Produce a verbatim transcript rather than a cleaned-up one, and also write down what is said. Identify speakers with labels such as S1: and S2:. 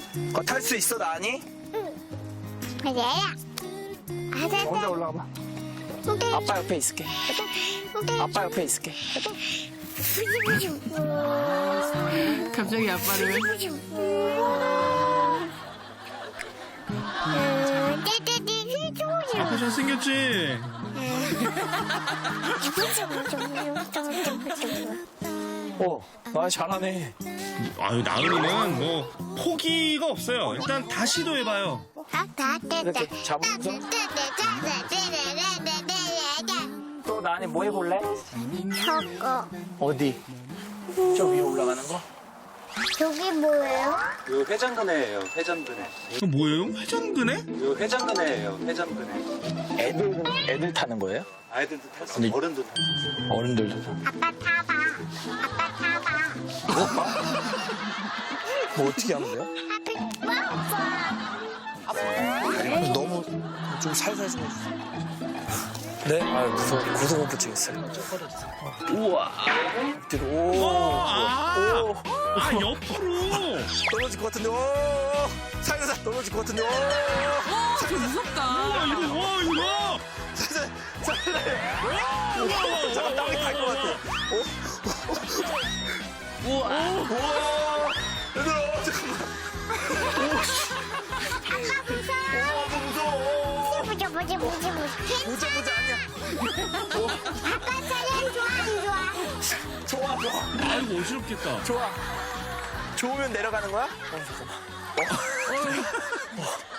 S1: 그거 탈 수 있어, 나니?
S2: 얘야.
S1: 혼자 올라가 봐. 아빠 옆에 있을게. 아빠 옆에 있을게.
S3: 갑자기 아빠를.
S4: 아빠 잘생겼지?
S1: 오, 아, 잘하네.
S4: 아유, 나은이는 뭐 포기가 없어요. 일단 다 시도해봐요.
S1: 이렇게 잡으면서. 또 나니 뭐 해볼래?
S2: 저거.
S1: 어디? 저 위에 올라가는 거?
S2: 저기 뭐예요?
S5: 요 회전근해예요. 회전근해.
S4: 이거 뭐예요? 회전근해?
S5: 요 회전근해예요. 회전근해.
S1: 애들, 애들 타는 거예요?
S5: 아이들도 탈 수
S1: 근데-
S5: 있고 어른도 탈 수 있어요.
S1: 어른들도 타.
S2: 아빠 타봐. 아빠 타봐.
S1: 뭐 어떻게 하면 돼요?
S2: 아빠
S1: 너무 좀 살살 좀 해주세요. 네? 아, 무서워. 고소공포 치겠어요. 우와. 뒤로, 오.
S4: 아,
S1: 오.
S4: 아 옆으로.
S1: 떨어질 것 같은데, 오. 살살 떨어질 것 같은데, 오.
S3: 어, 저 무섭다.
S4: 와 이거 와 이거.
S1: 살살, 살살. 잠깐 땀이 갈 것 같아. 오. 우와. 우와. 얘들아, 잠깐만.
S2: 아빠 무서워.
S1: 무서워.
S2: 보자 보자 보자 보자.
S1: 보자, 보자, 아니야.
S2: 아빠 차량 좋아 안 좋아?
S1: 좋아, 좋아.
S4: 아이고 어지럽겠다.
S1: 좋아. 좋으면 내려가는 거야? 어, 잠깐만. 어? 어.